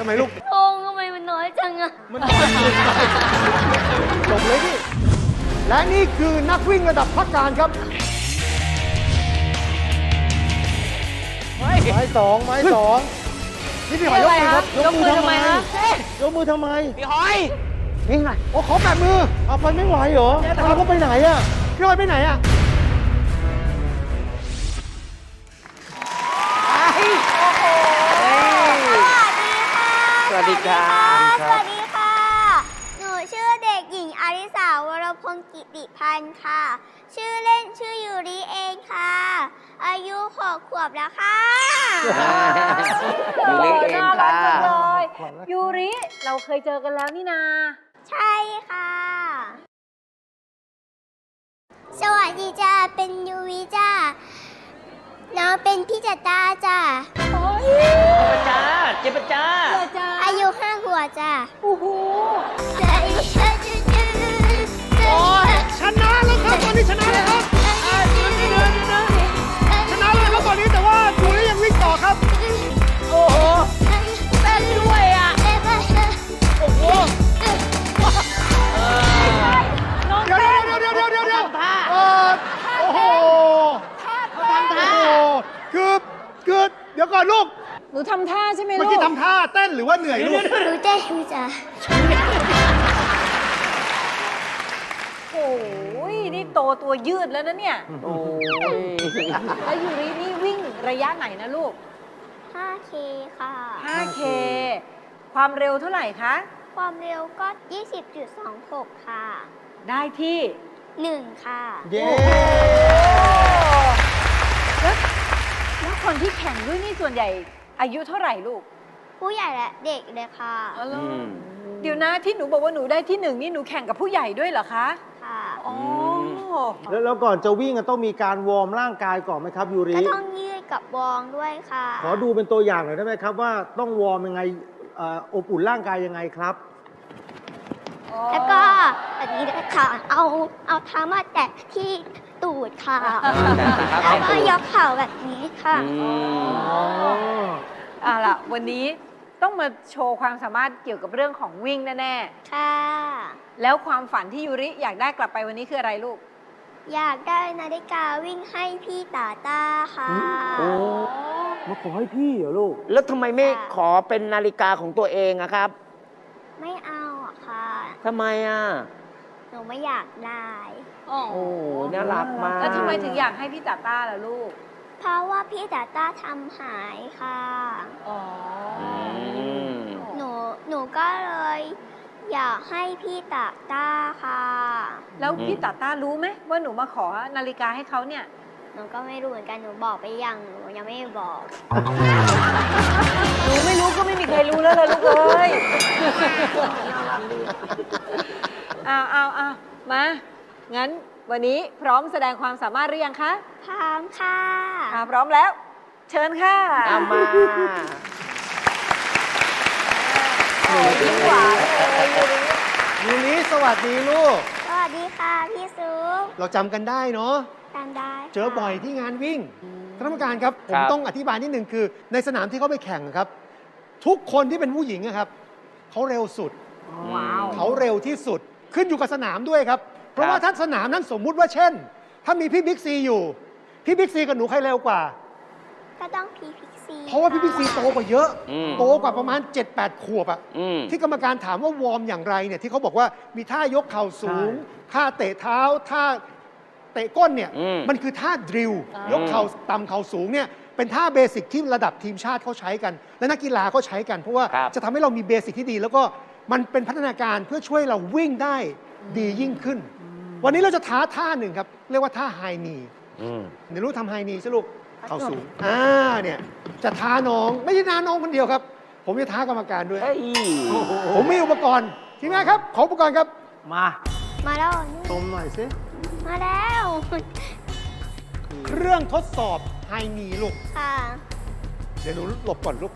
ไมลูกธงทำไมมันน้อยจังอะมันน้อยเกินไปจบเลยพี่และนี่คือนักวิ่งระดับภาคการครับไม้สองนี่พี่หอยยกมือครับยกมือทำไมฮะยกมือทำไมพี่หอยนี่ไงโอ้ขอแปะมือเอาไปไม่ไหวเหรอเราก็ไปไหนอะพี่หอยไปไหนอะสวัสดีค่ะสวัสดีค่ะ หนูชื่อเด็กหญิงอาริสาวรพงศ์กิติพันธ์ค่ะ ชื่อเล่นชื่อยูริเองค่ะ อายุ6 ขวบแล้วค่ะยูริเองค่ะยูริ เราเคยเจอกันแล้วนี่นาใช่ค่ะ สวัสดีจ้า เป็นยูริจ้า น้องเป็นพี่จัตตาจ้าเจ็บจ้าอายุ5 ขวบจ้าโอ้โหโอ้ยชนะแล้วครับตอนนี้ชนะแล้วครับชนะแล้วครับตอนนี้แต่ว่ายูริยังวิ่งต่อครับโอ้โหเต้นด้วยอ่ะ โอ้โหน้องเดี๋ยวเต้นโอ้โหคือเดี๋ยวก่อนลูกหนูทำท่าใช่ไหมเมื่ลูอก กี้ทำท่าเต้นหรือว่าเหนื่อยลูกหนูเต้นอยู่จ้าโอ้ยนี่โตตัวยืดแล้วนะเนี่ยโอ้ยแล้วยูรินี่วิ่งระยะไหนนะลูก 5K ค่ะ 5K ความเร็วเท่าไหร่คะความเร็วก็ 20.26 ค่ะได้ที่ 1 ค่ะเย้แล้วคนที่แข่งด้วยนี่ส่วนใหญ่อายุเท่าไหร่ลูกผู้ใหญ่และเด็กเลยค่ะอ๋อเหรอเดี๋ยวนะที่หนูบอกว่าหนูได้ที่ 1นี่หนูแข่งกับผู้ใหญ่ด้วยเหรอคะค่ะอ๋อแล้วก่อนจะวิ่งต้องมีการวอร์มร่างกายก่อนไหมครับยูริก็ต้องยืดกับวองด้วยค่ะขอดูเป็นตัวอย่างหน่อยได้ไหมครับว่าต้องวอร์มยังไงอบอุ่นร่างกายยังไงครับแล้วก็แบบนี้ด้วยค่ะ เอาเท้ามาแตะที่ตูดค่ะ แล้วก็ยกเข่าแบบนี้ค่ะเอาล่ะ วันนี้ต้องมาโชว์ความสามารถเกี่ยวกับเรื่องของวิ่งแน่ค่ะๆ แล้วความฝันที่ยูริอยากได้กลับไปวันนี้คืออะไรลูกอยากได้นาฬิกาวิ่งให้พี่ตาต้าค่ะโอ้มาขอให้พี่เหรอลูกแล้วทำไมไม่ขอเป็นนาฬิกาของตัวเองอะครับไม่เอาอะค่ะทำไมอ่ะหนูไม่อยากได้โอ้โหน่ารักมากแล้วทำไมถึงอยากให้พี่ตาต้าล่ะลูกเพราะว่าพี่ตาต้าทำหายค่ะอ๋อหนูก็เลยอยากให้พี่ตาต้าค่ะแล้วพี่ตาต้ารู้ไหมว่าหนูมาขอนาฬิกาให้เขาเนี่ยหนูก็ไม่รู้เหมือนกัน หนูบอกไปยังหนูยังไม่บอกหนูไม่รู้ก็ไม่มีใครรู้แล้วเลยลูกเอ้ยเอามา งั้นวันนี้พร้อมแสดงความสามารถหรือยังคะพร้อมค่ะพร้อมแล้ว เชิญค่ะเอามายิ้มหวานเลยยูริยูริสวัสดีลูกสวัสดีค่ะพี่ซุปเราจำกันได้เนาะตามได้ค่ะเจอบ่อยที่งานวิ่งท่านผู้การครับ ผมต้องอธิบายนิดนึงคือ ในสนามที่เขาไปแข่งครับ ทุกคนที่เป็นผู้หญิงอะครับเขาเร็วสุดว้าวเขาเร็วที่สุดขึ้นอยู่กับสนามด้วยครับ เพราะว่าถ้าสนามนั้นสมมุติว่าเช่น ถ้ามีพี่บิ๊กซีอยู่ พี่บิ๊กซีกับหนูใครเร็วกว่าก็ต้องพีพิกซีเพราะว่าพี่บิ๊กซีโตกว่าเยอะอืมโตกว่าประมาณ 7-8 ขวบอะอืมที่กรรมการถามว่าวอร์มอย่างไรเนี่ยที่เขาบอกว่ามีท่ายกเข่าสูง ท่าเตะเท้า ท่าเตะก้นเนี่ยอืมมันคือท่าดริลยกเข่าต่ำเข่าสูงเนี่ยเป็นท่าเบสิกที่ระดับทีมชาติเขาใช้กัน และนักกีฬาก็ใช้กัน เพราะว่าครับจะทำให้เรามีเบสิกที่ดี แล้วก็มันเป็นพัฒนาการเพื่อช่วยเราวิ่งได้ดียิ่งขึ้น วันนี้เราจะท้าท่าหนึ่งครับ เรียกว่าท่าไฮนีเดี๋ยวรู้ทำไฮนีใช่ลูกเข่าสูงเนี่ยจะท้าน้องไม่ใช่ท้าน้องคนเดียวครับ ผมจะท้ากรรมการด้วยเฮ้ยผมมีอุปกรณ์ทีมงานครับ ขออุปกรณ์ครับมามาแล้วชมหน่อยสิมาแล้วเครื่องทดสอบไฮนีลูกค่ะเดี๋ยวหนูหลบก่อนลูก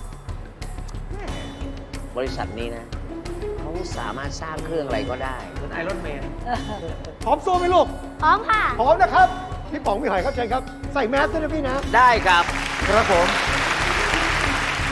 บริษัทนี้นะเขาสามารถสร้างเครื่องอะไรก็ได้เป็นไอรอนแมนพร้อมสู้ไหมลูกพร้อมค่ะพร้อมนะครับ พี่ป๋องพี่หอยครับเชิญครับ ใส่แมสด้วยนะพี่นะได้ครับครับผม พ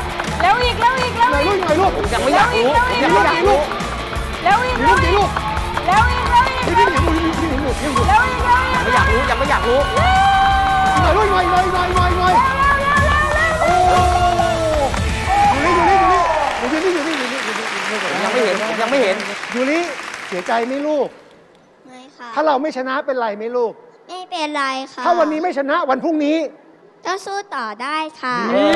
เร็วอีกเร็วอีกเร็วหน่อยอีลูกกหน่อยลูกผมยังไม่อยากรู้ผมยังไม่อยากรู้เร็วอีกเดี๋ยวเร็ลูวกอีเดี๋ยวกลูกเร็วอีกเร็วอีกเดี๋ยวลูกเดี๋ยวลูกเดี๋ยวลูกเร็วอีกเร็วอีกไม่อยากรู้ยังไม่อยากรู้หน่อยลูกหน่อยหน่อยหน่อยหน่อยหน่อยโอ้อยู่นี่อยู่นี่อยู่นี่อยู่นี่อยู่นี่ผมยังไม่เห็นผมยังไม่เห็นอยู่นี่เสียใจไหมลูกไม่ค่ะถ้าเราไม่ชนะเป็นไรไหมลูกไม่เป็นไรค่ะถ้าวันนี้ไม่ชนะวันพรุ่งนี้ก็สู้ต่อได้ค่ะ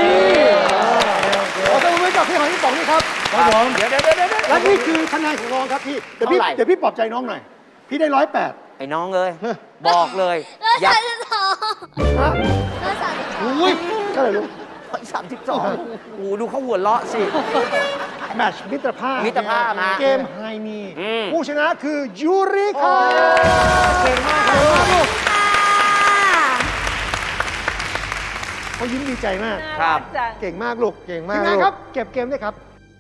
ขอตัวมือกับพี่หอยพี่ป๋องนี่ครับครับผมเดี๋ยวและนี่คือคะแนนของน้องครับพี่เดี๋ยวพี่เท่าไหร่เดี๋ยวพี่ปลอบใจน้องหน่อย พี่ได้108 ไอ้น้องเลยบอกเลยก็อย่า 32 ฮะก็32 อุ้ยเท่าไหร่ลูก 32โอ้ดูเขาหัวเราะสิแมตช์มิตรภาพมิตรภาพฮะเกมไฮนีอืมผู้ชนะคือยูริครับเก่งมากครับลูกค่ะเขายิ้มดีใจมากครับจังเก่งมากลูกเก่งมากทีมงานลูกครับ เก็บเกมด้วยครับ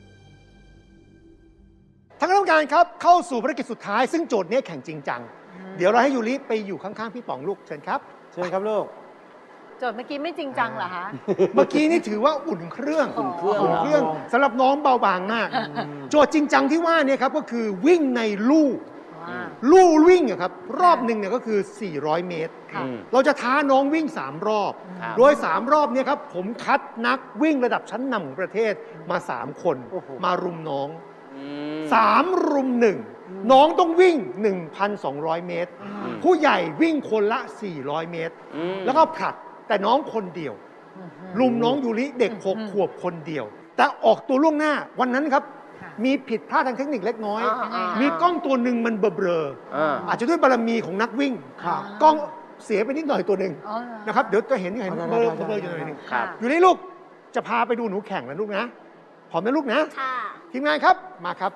ทางคณะกรรมการครับเข้าสู่ภารกิจสุดท้ายซึ่งโจทย์นี้แข่งจริงจัง เดี๋ยวเราให้ยูริไปอยู่ข้างๆพี่ป๋องลูกเชิญครับเชิญครับลูกโจทย์เมื่อกี้ไม่จริงจังเหรอคะเมื่อกี้นี่ถือว่าอุ่นเครื่องอุ่นเครื่องอุ่นเครื่องสำหรับน้องเบาบางมาก โจทย์จริงจังที่ว่าเนี่ยครับก็คือวิ่งในลู่ลู่วิ่งอะครับรอบหนึ่งเนี่ยก็คือ 400 เมตรค่ะเราจะท้าน้องวิ่ง 3 รอบครับโดย 3 รอบเนี่ยครับผมคัดนักวิ่งระดับชั้นนำของประเทศมา 3 คนโอ้โหมารุมน้องอืม 3 รุม 1 น้องต้องวิ่ง 1,200 เมตร ผู้ใหญ่วิ่งคนละ 400 เมตรอืมแล้วก็ผลัดแต่น้องคนเดียว ลุมน้องยูริเด็ก 6 ขวบคนเดียว แต่ออกตัวล่วงหน้าวันนั้นครับค่ะมีผิดพลาดทางเทคนิคเล็กน้อยอ่ามีกล้องตัวหนึ่งมันเบลออ่าๆอาจจะด้วยบารมีของนักวิ่งครับกล้องเสียไปนิดหน่อยตัวหนึ่งอ๋อเหรอนะครับเดี๋ยวจะเห็นเบลออยู่หน่อยหนึงครับอยู่นี่ลูกจะพาไปดูหนูแข่งนะลูกนะพร้อมนะลูกนะค่ะทีมงานครับมาครับ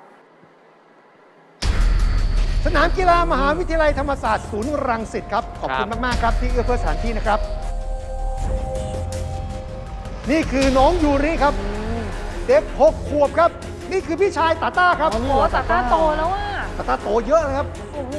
สนามกีฬามหาวิทยาลัยธรรมศาสตร์ศูนย์รังสิตครับขอบคุณมากๆครับที่เอื้อเฟื้อสถานที่นะครับ นี่คือน้องยูริครับ เด็ก6 ขวบครับ นี่คือพี่ชายตาต้าครับโอ้ตาต้าโตแล้วอ่ะตาต้าโตเยอะนะครับโอ้โห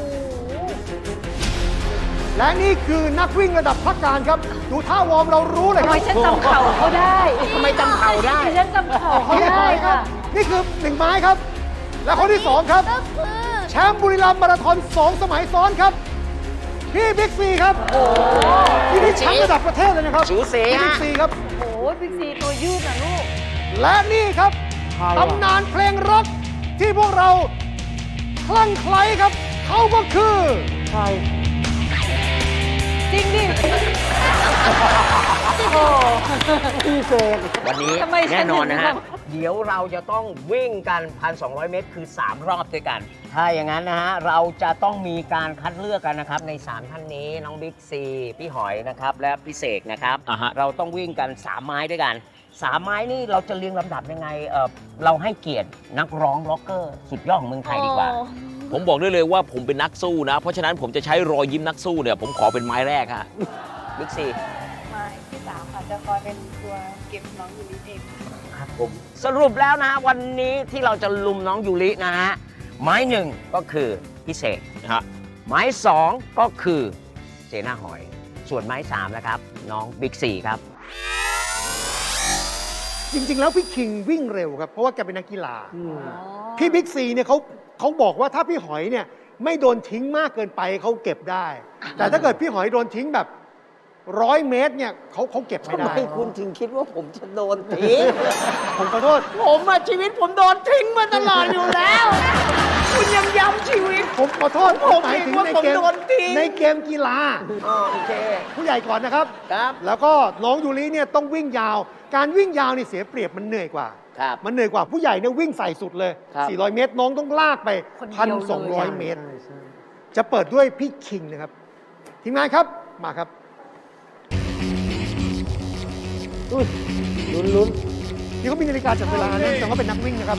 และนี่คือนักวิ่งระดับพักการครับ ดูท่าวอร์มเรารู้เลยคทำไมรับฉันจำเข่าเขาได้ทำไมจำเข่าได้ฉันจำเข่าเขาพี่หได้อยครับค่ะนี่คือ1 ไม้ครับ และคนที่ 2 ครับก็คือแชมป์บุรีรัมย์มาราธอน2 สมัยซ้อนครับ พี่บิ๊กซีครับที่นี่แชมป์ระดับประเทศเลยนะครับสูสีพี่บิ๊ฮะกซีครับโอ้โหบิ๊กซีตัวยืดอ่ะลูกและนี่ครับใครวะตำนานเพลงร็อกที่พวกเราคลั่งไคล้ครับ เขาก็คือใครจริงดิ โอ้พี่เสกวันนี้ทำไมฉันแน่นอนนะถึงฮะทเดี๋ยวเราจะต้องวิ่งกัน 1,200 เมตร คือ 3 รอบด้วยกัน ถ้าอย่างนั้นนะฮะ เราจะต้องมีการคัดเลือกกันนะครับ ใน 3 ท่านนี้ น้องบิ๊กซี พี่หอยนะครับ และพี่เสกนะครับ เราต้องวิ่งกัน 3 ไม้ด้วยกัน 3 ไม้นี่เราจะเรียงลำดับยังไง เราให้เกียรตินักร้องร็อกเกอร์ สุดยอดของเมืองไทยดีกว่าผมบอกได้เลยว่าผมเป็นนักสู้นะ เพราะฉะนั้นผมจะใช้รอยยิ้มนักสู้เนี่ย ผมขอเป็นไม้แรกฮะบิ๊กซีไม่ที่สามค่ะจะคอยเป็นตัวเก็บน้องยูริเองครับผมสรุปแล้วนะฮะวันนี้ที่เราจะลุมน้องยูรินะฮะไม้หนึ่งก็คือพิเศษฮะไม้สองก็คือเจน่าหอย ส่วนไม้สามนะครับ น้องบิ๊กซีครับจริง ๆ แล้วพี่คิงวิ่งเร็วครับ เพราะว่าแกเป็นนักกีฬา พี่บิ๊กซีเนี่ยเขาบอกว่าถ้าพี่หอยเนี่ยไม่โดนทิ้งมากเกินไปเขาเก็บได้ แต่ถ้าเกิดพี่หอยโดนทิ้งแบบ100 เมตรเนี่ยเขาเก็บไม่ทำได้ไมคุณถึงคิดว่าผมจะโดนทิ้งผมขอโทษผมอะชีวิตผมโดนทิ้งมาตลอดอยู่แล้ว คุณยังย้ำชีวิตผมขอโทษผมหมายถึงว่าในผมเกมโดนทิ้งในเกมกีฬาโอเคผู้ใหญ่ก่อนนะครับครับแล้วก็น้องยูริเนี่ยต้องวิ่งยาว การวิ่งยาวนี่เสียเปรียบมันเหนื่อยกว่าครับมันเหนื่อยกว่าผู้ใหญ่เนี่ยวิ่งใส่สุดเลยครับ 400 เมตร น้องต้องลากไปคนเดียวเลยอะ 1,200 เมตร จะเปิดด้วยพี่คิงนะครับ ทีมงานครับ มาครับอุ้ยลุ้นนี่เขามีนาฬิกาจับเวลานะแต่ว่าเป็นนักวิ่งนะครับ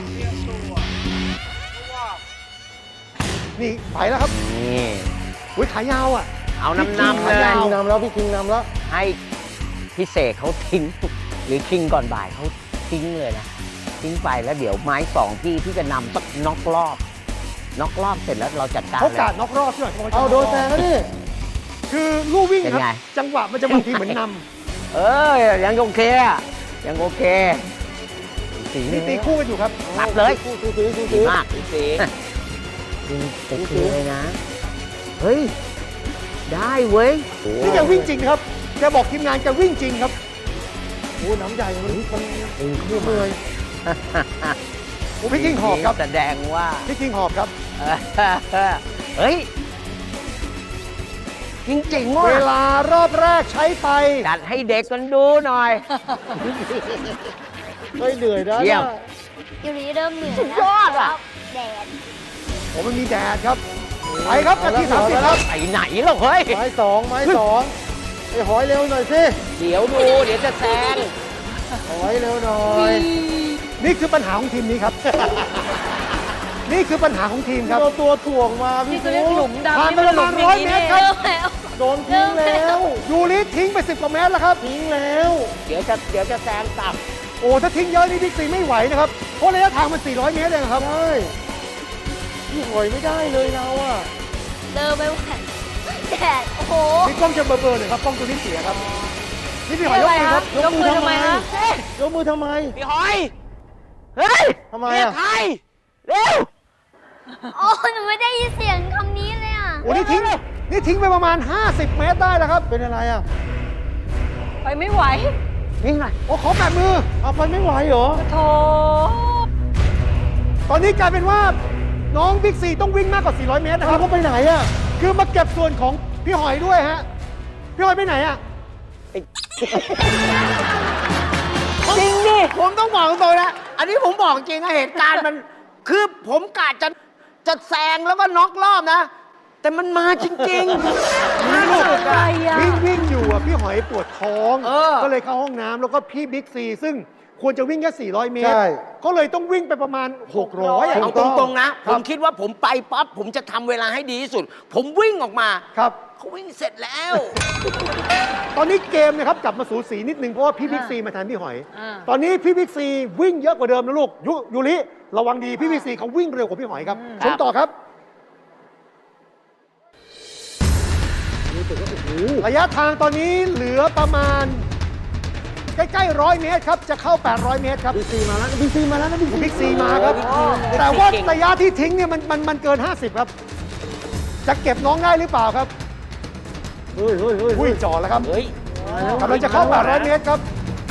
นี่ไปแล้วครับนี่อุ้ยขายาวอ่ะเอานำพี่เลคิงยขายาวๆนำแล้วพี่คิงนำแล้วให้พิเศษเขาทิ้ง หรือคิงก่อนบ่ายเขาทิ้งเลยนะ ทิ้งไปแล้วเดี๋ยวไม้สองที่จะนำสักน็อกรอบเสร็จแล้วเราจัดการเขาเลยกาดน็อกรอบพี่หน่อยเอาโดนแซงแล้วนี่คือลู่วิ่งเป็นครับไงจังหวะมันจะบางทีเหมือนนเออยังโอเคอะยังโอเคสีำนี่ตีคู่กันอยู่ครับตัดเลยสู้ๆดีสู้ๆมากสี โอเคเลยนะ เฮ้ย ได้เว้ยนี่แกวิ่งจริงนะครับ แกบอกทีมงานแกวิ่งจริงครับโอ้น้ำใหญ่มันตีคู่เหนื่อยพี่คิงหอบครับแสดงว่าพี่คิงหอบครับเฮ้ย จริงๆว่ะเวลารอบแรกใช้ไปจัดให้เด็กกันดูหน่อยไม่เหนื่อยนะเยี่ยมยูริเริ่มเหนื่อยสุดยอดอะแดดผมมันมีแดดครับ ไปครับนาที30ครับไปไหนหรอกเฮ้ยไม้สองไอ้หอยเร็วหน่อยสิเดี๋ยวดู เดี๋ยวจะแซงหอยเร็วหน่อยนี่คือปัญหาของทีมนี้ครับ นี่คือปัญหาของทีมครับเอาตัวถ่วงมาพี่นี่จะเรียกหลุมดำผ่านนี่ไปมันประหลุมาณมอย่างนี้ 100 เมตรนี่ครับแล้วโดนทิ้งแล้วยูริทิ้งไป10 กว่าเมตรแล้วครับทิ้งแล้วเดี๋ยวจะแซงกลับโอ้ ถ้าทิ้งเยอะนี่บิ๊กซีไม่ไหวนะครับ เพราะระยะทางมัน 400 เมตรเองครับใช่พี่หอยไม่ได้เลยเราอ่ะเดินไปไหวแดด โอ้โหนี่กล้องจะเบลอๆหน่อยครับ กล้องตัวนี้เสียครับ นี่พี่หอยยกมือครับยกมือทำไมฮะยกมือทำไมพี่หอยเฮ้ยทำไมเรียกอ่ะใครเร็วโอ้หนูไม่ได้ยินเสียงคำนี้เลยอ่ะโอ้นี่ทิ้งไปประมาณ 50 เมตรได้แล้วครับเป็นอะไรอ่ะไปไม่ไหววิ่งหน่อยโอ้ขอแบบมือเอาไปไม่ไหวเหรอโถตอนนี้กลายเป็นว่าน้องบิ๊กซีต้องวิ่งมากกว่า 400 เมตรนะคเรารับก็ไปไหนอ่ะคือมาเก็บส่วนของพี่หอยด้วยฮะ พี่หอยไปไหนอ่ะจริงดิ ผมต้องบอกตรงๆนะ อันนี้ผมบอกจริงนะเหตุการณ์มัน คือผมกะจะแซงแล้วก็น็อกรอบนะแต่มันมาจริงๆน่าลูกสุดอะวิ่งอยู่อ่ะพี่หอยปวดท้องเออก็เลยเข้าห้องน้ำแล้วก็พี่บิ๊กซีซึ่งควรจะวิ่งแค่ 400 เมตรใช่ก็เลยต้องวิ่งไปประมาณ 600อ่ะเอาตรงๆนะคผรับมคิดว่าผมไปปั๊บผมจะทำเวลาให้ดีที่สุด ผมวิ่งออกมาครับเขาวิ่งเสร็จแล้วตอนนี้เกมนะครับกลับมาสูสีนิดนึงเพราะว่าพี่บิ๊กซีมาแทนพี่หอยอ่าตอนนี้พี่บิ๊กซีวิ่งเยอะกว่าเดิมนะลูกยูริระวังดีพี่บิ๊กซีเขาวิ่งเร็วกว่าพี่หอยครับชมต่อครับ ระยะทางตอนนี้เหลือประมาณ ใกล้ๆ100 เมตรครับ จะเข้า 800 เมตรครับบิ๊กซีมาแล้วบิ๊กซีมาแล้วนะบิ๊กซีบิ๊กซีมาครับ แต่ว่าระยะที่ทิ้งเนี่ยมันเกิน 50 ครับ จะเก็บน้องได้หรือเปล่าครับเฮ้ยอุ้ยจ่อแล้วครับเฮ้ยกำลังจะเข้า 800 เมตรครับ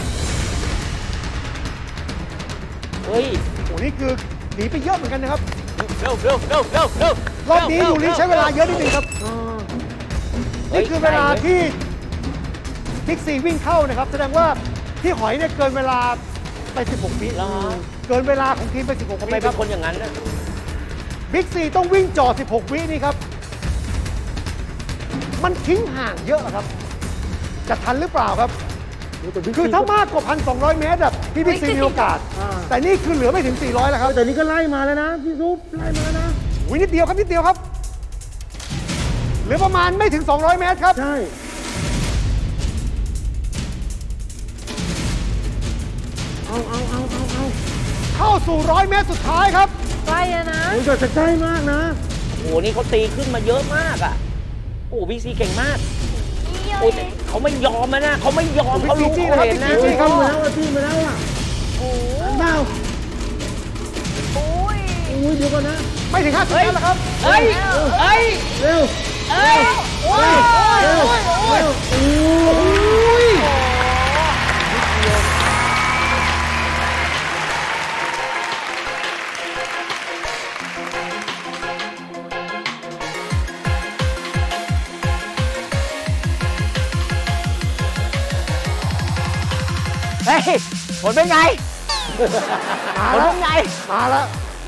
เฮ้ยโอ้นี่คือหนีไปเยอะเหมือนกันนะครับเร็วเร็วเร็วเร็วเร็วรอบนี้ยูริใช้เวลาเยอะนิดนึงครับ นี่คือเวลาที่บิ๊กซีวิ่งเข้านะครับ แสดงว่าพี่หอยเนี่ยเกินเวลาไป 16 วิเหรอเกินเวลาของทีมไป 16 ทำวิไมคเป็รันบคนอย่างนั้นนะบิ๊กซีต้องวิ่งจ่อ 16 วินี่ครับ มันทิ้งห่างเยอะครับ จะทันหรือเปล่าครับ คือถ้ามากกว่า 1,200 เมตรอะพี่บิ๊กซีมีโอกาส แต่นี่คือเหลือไม่ถึง 400 แล้วครับแต่นี่ก็ไล่มาแล้วนะพี่ซุปไล่มาแล้วนะวินิดเดียวครับนิดเดียวครับ เหลือประมาณไม่ถึง 200 เมตรครับใช่เอาเข้าสู่ 100 เมตรสุดท้ายครับใกล้แล้วนะโอ้ยจะใกล้มากนะโอ้โหนี่เขาตีขึ้นมาเยอะมากอ่ะ โอ้บิ๊กซีเก่งมากนี่โอ้ยแต่เขาไม่ยอมนะเขาไม่ยอมเขารู้บิ๊กซีเขาเห็นนะบิ๊กซีเข้ามาแล้วอ่ะที่มาแล้วอ่ะโอ้ยเปล่าโอ้ยโอ้ยเดี๋ยวก่อนนะไม่ถึง 50 เมตรแล้วครับเฮ้ย เฮ้ยเร็วเฮ้ยโอ้ยโอ้ยโอ้ยโอ้ยโอ้ยเฮ้ย ผลเป็นไงมาผลแล้วเป็นไงมาแล้ว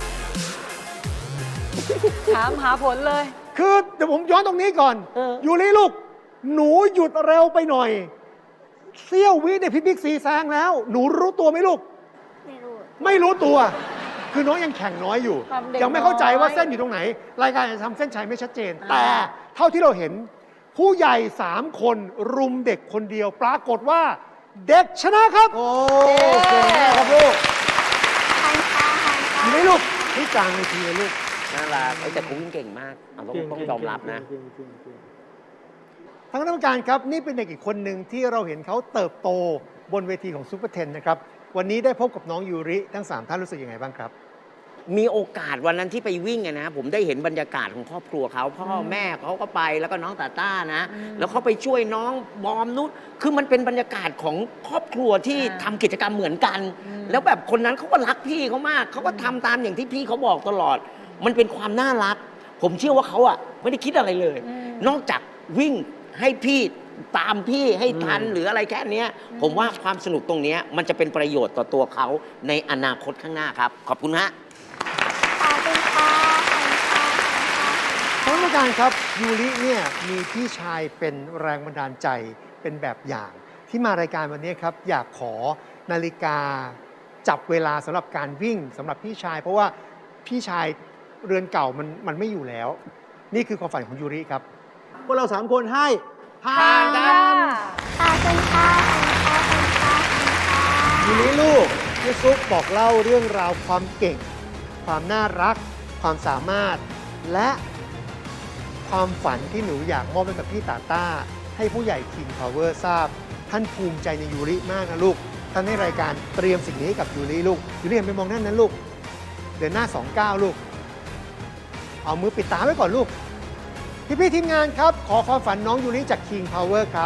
ถามหาผลเลยคือเดี๋ยวผมย้อนตรงนี้ก่อนเออยูริลูก หนูหยุดเร็วไปหน่อย เสี้ยววิเนี่ยพี่บิ๊กซีแซงแล้ว หนูรู้ตัวไหมลูกไม่รู้ไม่รู้ตัว คือน้องยังแข่งน้อยอยู่ความเด็กยังไม่เข้าใจว่าน้อยเส้นอยู่ตรงไหน รายการจะทำเส้นชัยไม่ชัดเจน แต่เท่าที่เราเห็น ผู้ใหญ่ 3 คนรุมเด็กคนเดียว ปรากฏว่าเด็กชนะครับโอ้เก่งมากครับลูกทันค่ะทันค่ะอยู่ไหมลูกที่กลางเวทีเลยลูกน่ารักแต่เขาวิ่งเก่งมากเอาต้องยอมรับนะทางคณะกรรมการครับ นี่เป็นเด็กอีกคนหนึ่งที่เราเห็นเขาเติบโตบนเวทีของซูเปอร์เทนนะครับ วันนี้ได้พบกับน้องยูริทั้ง 3 ท่านรู้สึกยังไงบ้างครับมีโอกาสวันนั้นที่ไปวิ่งอะนะผมได้เห็นบรรยากาศของครอบครัวเขาพ่อแม่เขาก็ไปแล้วก็น้องตาต้านะ แล้วเขาไปช่วยน้องบอมนุชคือมันเป็นบรรยากาศของครอบครัวที่ทำกิจกรรมเหมือนกัน แล้วแบบคนนั้นเขาก็รักพี่เขามากเขาก็ทำตามอย่างที่พี่เขาบอกตลอด มันเป็นความน่ารัก ผมเชื่อว่าเขาอะไม่ได้คิดอะไรเลย นอกจากวิ่งให้พี่ตามพี่ให้ทันหรืออะไรแค่เนี้ยผมว่าความสนุกตรงเนี้ยมันจะเป็นประโยชน์ต่อตัวเขาในอนาคตข้างหน้าครับขอบคุณฮะขอบคุณค่ะขอบคุณค่ะท่านผู้การครับยูริเนี่ยมีพี่ชายเป็นแรงบันดาลใจเป็นแบบอย่าง ที่มารายการวันนี้ครับอยากขอนาฬิกาจับเวลาสำหรับการวิ่งสำหรับพี่ชาย เพราะว่าพี่ชายเรือนเก่ามันไม่อยู่แล้ว นี่คือความฝันของยูริครับพวกเรา3 คนให้ผ่านกันขอบคุณค่ะขอบคุณค่ะขอบคุณค่ะยูริลูกพี่ซุปบอกเล่าเรื่องราวความเก่ง ความน่ารัก ความสามารถ และความฝันที่หนูอยากมอบให้กับพี่ตาต้า ให้ผู้ใหญ่ King Power ทราบ ท่านภูมิใจในยูริมากนะลูก ท่านให้รายการเตรียมสิ่งนี้ให้กับยูริลูกยูริหันไปมองด้านนั้นลูก เดินหน้า 29 ลูก เอามือปิดตาไว้ก่อนลูก พี่ๆทีมงานครับ ขอความฝันน้องยูริจาก King Power ครับ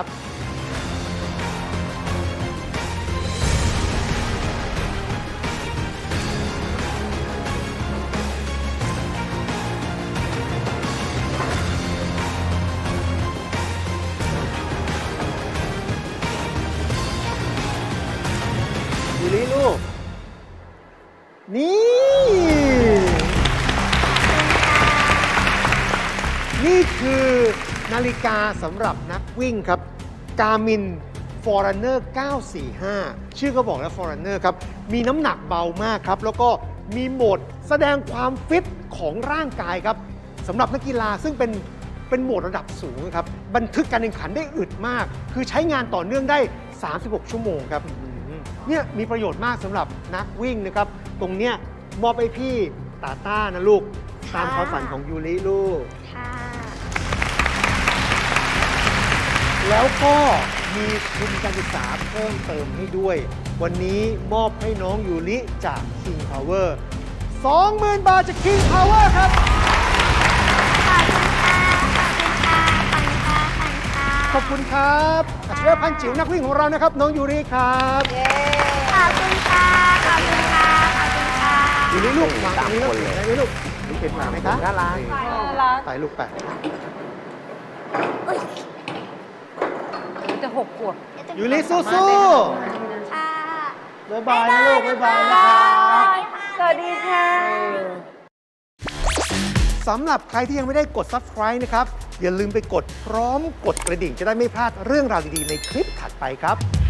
ยูริลูก นี่ นี่คคือนาฬิกาสำหรับนักวิ่งครับ Garmin Forerunner 945 ชื่อก็บอกแล้ว Forerunner ครับ มีน้ำหนักเบามากครับ แล้วก็มีโหมดแสดงความฟิตของร่างกายครับสำหรับนักกีฬาซึ่งเป็นโหมดระดับสูงครับ บันทึกการแข่งขันได้อึดมาก คือใช้งานต่อเนื่องได้ 36 ชั่วโมงครับเนี่ยมีประโยชน์มากสำหรับนักวิ่งนะครับ ตรงเนี้ยมอบให้พี่ตาต้านะลูก ตามความฝันของยูริลูกค่ะแล้วก็มีทุนการศึกษาเพิ่มเติมให้ด้วย วันนี้มอบให้น้องยูริจาก King Power 20,000 บาทจาก King Power ครับขอบคุณค่ะ ขอบคุณค่ะ ขอบคุณค่ะขอบคุณครับอัจฉริยะพันจิ๋วนักวิ่งของเรานะครับ น้องยูริครับขอบคุณค่ะ ขอบคุณค่ะ ขอบคุณค่ะยูริลูกวางตรงนี้แล้วเห็นไหมลูกเห็นหมาไหมครับน่ารักรักไปลูกไปจะ6 ขวบยูริสู้ค่ะๆบ๊ายบายนะลูกบ๊ายบายนะครับสวัสดีค่ะสำหรับใครที่ยังไม่ได้กด Subscribe นะครับ อย่าลืมไปกดพร้อมกดกระดิ่งจะได้ไม่พลาดเรื่องราวดีๆในคลิปถัดไปครับ